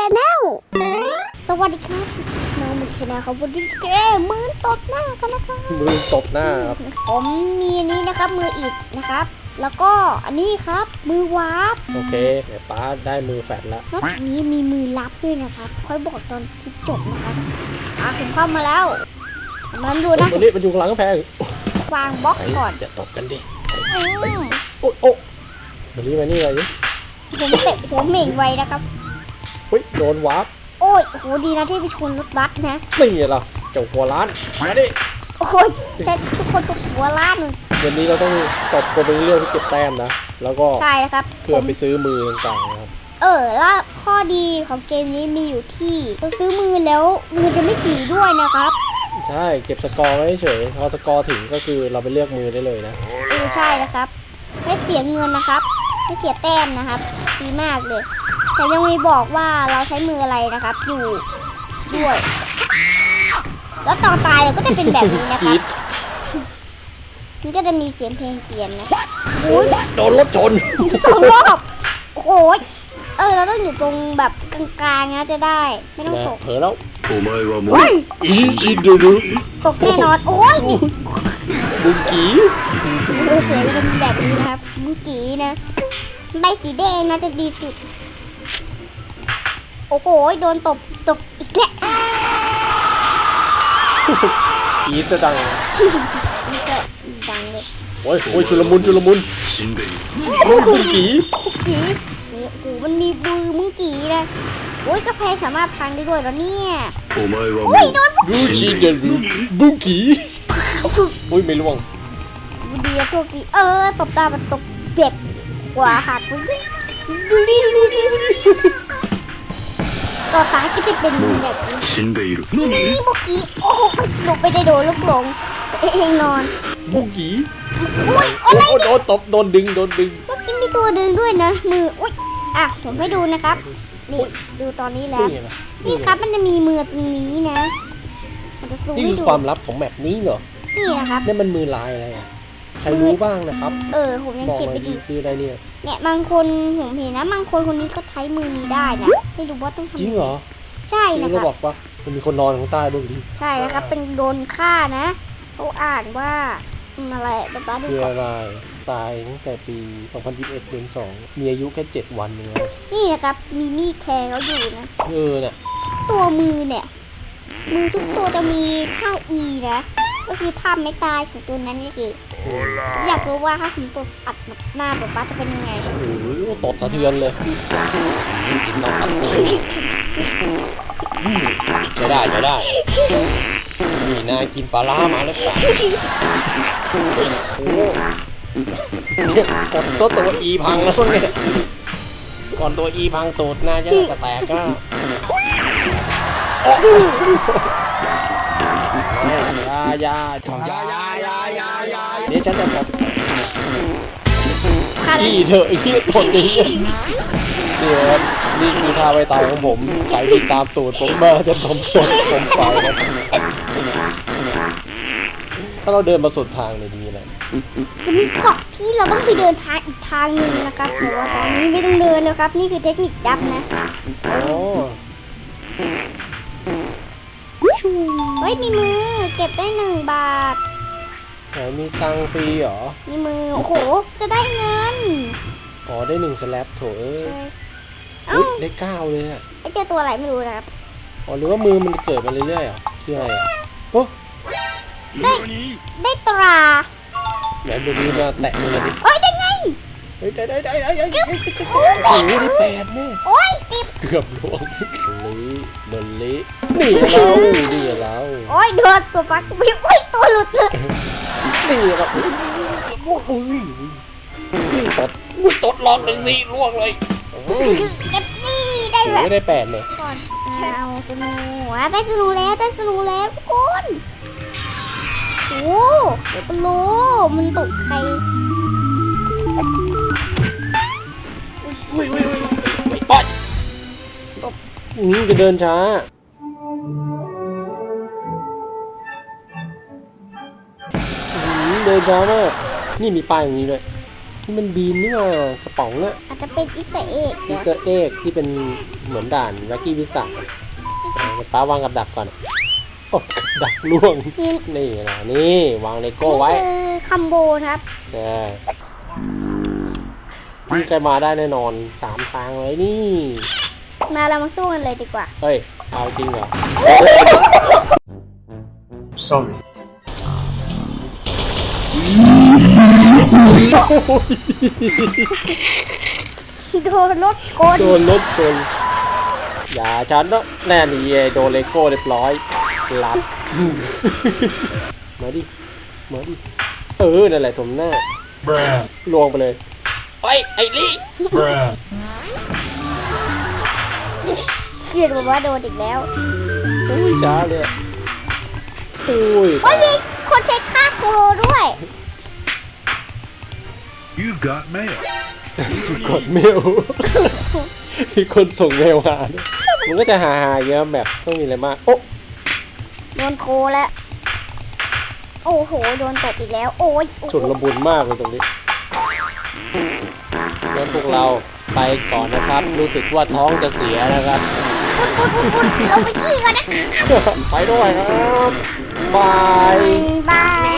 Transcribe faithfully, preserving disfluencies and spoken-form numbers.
แนลสวัสดีครับน้องมุกชนะเขาบนดิเกมมือตบหน้ากันนะครับมือตบหน้าครับผมมีอันนี้นะครับมืออิดนะครับแล้วก็อันนี้ครับมือวาร์ปโอเคเดี๋ยวป้าได้มือแฟดแล้วนอกจากนี้มีมือลับด้วยนะครับค่อยบอกตอนคลิปจบนะครับอ่ะผมเข้ามาแล้วมันดูนะวันนี้มันอยู่หลังกำแพงวางบล็อกก่อนจะตบกันดิโอ้โอ้วันนี้มานี่อะไรนี่ผมเตะผมเหม่งไว้นะครับเฮ้ยโดนวาร์ปโอ้ยโหดีนะที่ไปชนรถบัสนะนี่เหรอเจ้าหัวล้านมาดิโอ้ยแต่ทุกคนตกหัวล้านเลยวันนี้เราต้องตบคนเป็นเรื่องที่เก็บแต้มนะแล้วก็ใช่ครับเพื่อไปซื้อมือต่างๆนะครับเออแล้วข้อดีของเกมนี้มีอยู่ที่เราซื้อมือแล้วมือจะไม่สีด้วยนะครับใช่เก็บสกอร์ไว้เฉยพอสกอร์ถึงก็คือเราไปเลือกมือได้เลยนะเออใช่นะครับไม่เสียเงินนะครับไม่เสียแต้มนะครับดีมากเลยแต่ยังไม่บอกว่าเราใช้มืออะไรนะครับอยู่ด้วยแล้วตอนตายเราก็จะเป็นแบบนี้นะครับมันก็จะมีเสียงเพลงเปลี่ยนนะโอ้ยโดนรถชนสองรอบโอ้ยเออเราต้องอยู่ตรงแบบกลางๆนะจะได้ไม่ต้องตกเผลอแล้วอีจินดูดูตกแน่นอนโอ้ยบุงกีเราเสียไปเป็นแบบนี้นะครับบุงกีนะใบสีแดงนะจะดีสุดโอ้โหโดนตบตบอีกแล้วกีจะดังนี่ก็ดังเลยโอ้ยโอ้ยชุลมุนชุลมุนบุงกีบุงกีโอ้โหมันมีบือบุงกีนะโอ้ยกาแฟสามารถพังได้ด้วยแล้วเนี่ยโอ้ยโดนบุงกีเดินบุงกีโอ้ยไม่ล่วงดีอะโชคดีเออตบตามันตบเปียกกว่าหักไปดูดิดูดิดูดิต่อตายก็จะเป็นแบบนี้นี่บุกกี้โอ้โหหลบไปได้โดนลูกหลงเองนอนบุกกี้โอ้ยอะไรโดนตบโดนดึงโดนดึงบุกกี้มีตัวดึงด้วยนะมืออุ้ยอ่ะผมให้ดูนะครับนี่ดูตอนนี้แล้วนี่ครับมันจะมีมือตรงนี้นะมันจะซูมให้ดูนี่คือความลับของแมปนี้เหรอนี่นะครับนี่มันมือลายอะไรอ่ะใครรู้บ้างนะครับเออผมยังเก็บไปดูคืออะไรเนี่ยเนี่ยบางคนผมเห็นนะบางคนคนนี้ก็ใช้มือนี้ได้นะไม่รู้ว่าต้องทำจริงเหรอใช่นะครับบอกว่ามันมีคนนอนข้างใต้ด้วยดิใช่นะครับเป็นโดนฆ่านะเขาอ่านว่าอะไรบ้าบ้าดูก่อนคืออะไรตายตั้งแต่ปีสองพันยี่สิบเอ็ดเดือนสองมีอายุแค่เจ็ดวันเองนี่นะครับมีมีดแทงเขาอยู่นะเออเนี่ยตัวมือเนี่ยมือทุกตัวจะมีท่า E นะก็คือท่าไม่ตายของตัวนั้นนี่คืออยากรู้ว่าถ้าถึงตัวอัดหน้าแบบป้าจะเป็นยังไงโอ้โหตดสะเทือนเลยกินน้ำตัดจะได้จะได้นี่นายกินปลาล่ามาแล้วป่ะโอ้กดตัวตัวอีพังแล้วเนี่ยก่อนตัวอีพังตูดน่าจะจะแตกก็ยายายายายายายาเดี๋ยวฉันจะตดขี้เถอะขี้ตดอย่างนี้เดี๋ยวนี่คือท่าไวตายของผมใครติดตามตูดผมมาจะผมตดผมไปนะถ้าเราเดินมาสุดทางเลยดีแหละจะมีเกาะที่เราต้องไปเดินทางอีกทางหนึ่งนะครับแต่ว่าตอนนี้ไม่ต้องเดินแล้วครับนี่คือเทคนิคดับนะโอ้เฮ้ยมีมือเก็บได้หนึ่งบาทไหนมีตังฟรีเหรอมีมือโอ้โหจะได้เงินอ๋อได้หนึ่งสแลปโถเอ้ยได้เก้าเลยอ่ะไอเจอตัวอะไรไม่รู้นะครับอ๋อหรือว่ามือมันเกิดมาเรื่อยๆอ่ะคืออะไรอ่ะโอ้ได้ได้ตราไหนดูนี้มาแตะมือดิเอ้ยได้ไงเฮ้ยได้ได้ได้ได้ได้โอ้โหได้แปดแม่โอ้ยติดเกือบล่วงลิเดินลินี่เรานี่เราโอ้ยโดนตัวปักวิ่งวิ่งตัวหลุดเลยนี่เราโอ้โหตดอุ้ยตดลองหนึ่งสิล่วงเลยเก็บนี่ได้แบบไม่ได้แปดเลยก่อนเอาสนูได้สนูแล้วได้สนูแล้วทุกคนโอ้เดี๋ยวไปรู้มันตกใครอุ้ยอุ้ยอุ้ยไม่ปล่อยตบนี่จะเดินช้าเดินช้ามากนี่มีป้ายอย่างนี้ด้วยนี่มันบีนนี่มากระป๋องอะอาจจะเป็นอิสเอกมิสเตอร์เอกที่เป็นเหมือนด่านแว็กกี้วิสันป้าวางกับดักก่อนโอ้กับดักล่วงนี่นี่นะนี่วางเลโก้นี่ไว้คือคัมโบนะครับเออพี่ใครมาได้แน่นอนสามทางเลยนี่มาเรามาสู้กันเลยดีกว่าเฮ้ยเอาจริงเหรอ Sorry. โดนรถชนโดนรถชนอย่าฉันนะแน่นี่โดนเลโก้เรียบร้อยหลับ มาดิมาดิเออนั่นแหละสมหน้า Bruh. ลวงไปเลยไอ้ยไอ้ลี่ Bruh. เกียดบอกว่าโดนอีกแล้วอุ้ยช้าเลยอะอุ้ยโอ้ยมีคนใช้ท่าโครด้วย You've got mail. กดเมล มีคนส่งเมลมาด้วยมันก็จะหาหาเยอะแบบต้องมีอะไรมากโอ้โดนโคแล้ว โอ้โห โดนตบอีกแล้ว โอ้ยโอ้โหฉุนระบุนมากเลยตรงนี้งั้นพวกเราไปก่อนนะครับ รู้สึกว่าท้องจะเสียนะครับปุดปุดปุดปุดลงไปขี้ก่อนนะไปด้วยครับ บายบาย